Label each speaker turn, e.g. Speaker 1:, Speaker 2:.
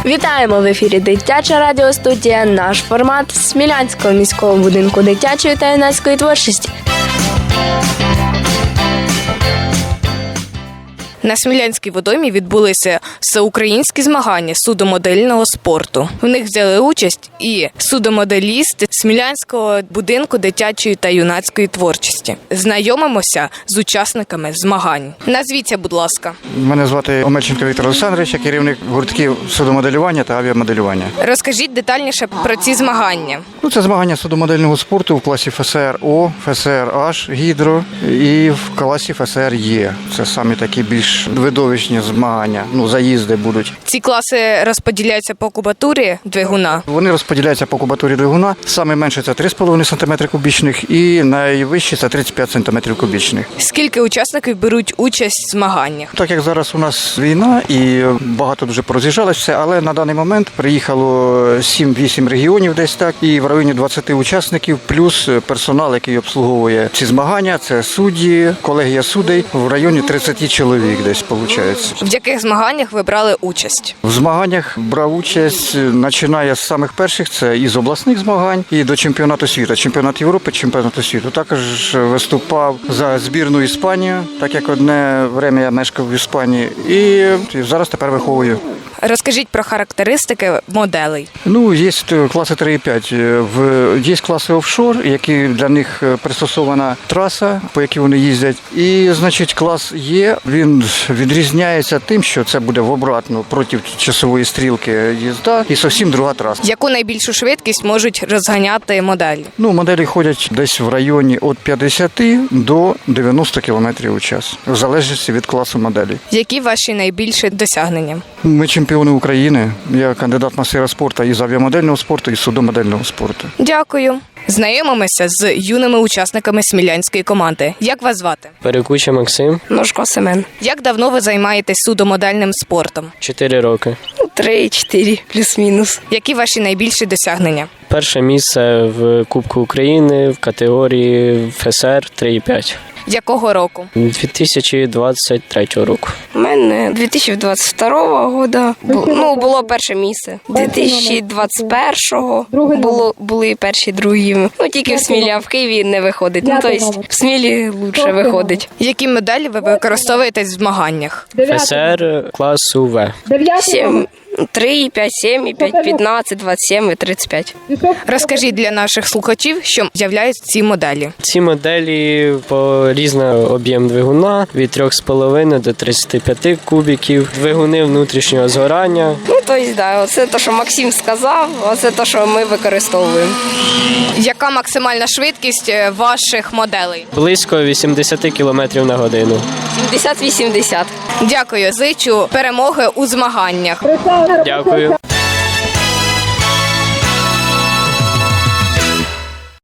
Speaker 1: Вітаємо в ефірі Дитяча радіостудія. Наш формат Смілянського міського будинку дитячої та юнацької творчості.
Speaker 2: На Смілянській водоймі відбулися всеукраїнські змагання судомодельного спорту. В них взяли участь і судомоделісти Смілянського будинку дитячої та юнацької творчості. Знайомимося з учасниками змагань. Назвіться, будь ласка.
Speaker 3: Мене звати Омельченко Віктор Олександрович, я керівник гуртків судомоделювання та авіамоделювання.
Speaker 2: Розкажіть детальніше про ці змагання.
Speaker 3: Це змагання судомодельного спорту в класі ФСР-О, ФСР-H, гідро і в класі ФСР-Є. Це самі такі більш видовищні змагання, заїзди будуть.
Speaker 2: Ці класи розподіляються по кубатурі двигуна?
Speaker 3: Вони розподіляються по кубатурі двигуна. Саме менше – це 3,5 см кубічних і найвищі – це 35 см кубічних.
Speaker 2: Скільки учасників беруть участь в змаганнях?
Speaker 3: Так як зараз у нас війна і багато дуже пороз'їжджалося все, але на даний момент приїхало 7-8 регіонів десь так, і в районі 20 учасників, плюс персонал, який обслуговує ці змагання, це судді, колегія суддей, в районі 30 чоловік десь виходить.
Speaker 2: В яких змаганнях ви брали участь?
Speaker 3: В змаганнях брав участь, починає з самих перших, це із обласних змагань і до чемпіонату світу, чемпіонат Європи, чемпіонату світу. Також виступав за збірну Іспанію, так як одне время я мешкав в Іспанії, і зараз тепер виховую.
Speaker 2: Розкажіть про характеристики моделей.
Speaker 3: Є класи 3,5. Є класи офшор, які для них пристосована траса, по якій вони їздять. І, клас Є, він відрізняється тим, що це буде в обратну проти часової стрілки їзда і зовсім друга траса.
Speaker 2: Яку найбільшу швидкість можуть розганяти моделі?
Speaker 3: Моделі ходять десь в районі від 50 до 90 км в час, в залежності від класу моделі.
Speaker 2: Які ваші найбільші досягнення?
Speaker 3: Ми чемпіони України. Я кандидат мастера спорту із авіамодельного спорту і судомодельного спорту.
Speaker 2: Дякую. Знайомимося з юними учасниками смілянської команди. Як вас звати?
Speaker 4: Перекуча Максим.
Speaker 5: Ножко Семен.
Speaker 2: Як давно ви займаєтесь судомодельним спортом?
Speaker 4: 4 роки.
Speaker 5: 3-4, плюс-мінус.
Speaker 2: Які ваші найбільші досягнення?
Speaker 4: Перше місце в Кубку України в категорії ФСР 3,5.
Speaker 2: Якого року?
Speaker 4: 2023 року.
Speaker 5: У мене 2022 року було перше місце. 2021-го були перші, другі. Тільки в Смілі, а в Києві не виходить. Тобто в Смілі краще виходить.
Speaker 2: Які медалі ви використовуєте в змаганнях?
Speaker 4: ФСР класу В.
Speaker 5: 7, 3, 5, 7, 5, 15, 27 і 35.
Speaker 2: Розкажіть для наших слухачів, що являють ці моделі.
Speaker 4: Ці моделі по різний об'єм двигуна від 3,5 до 35 кубіків, двигуни внутрішнього згорання.
Speaker 5: Оце те, що Максим сказав, оце те, що ми використовуємо.
Speaker 2: Яка максимальна швидкість ваших моделей?
Speaker 4: Близько 80 км на годину.
Speaker 5: 70-80.
Speaker 2: Дякую. Зичу перемоги у змаганнях.
Speaker 4: Дякую.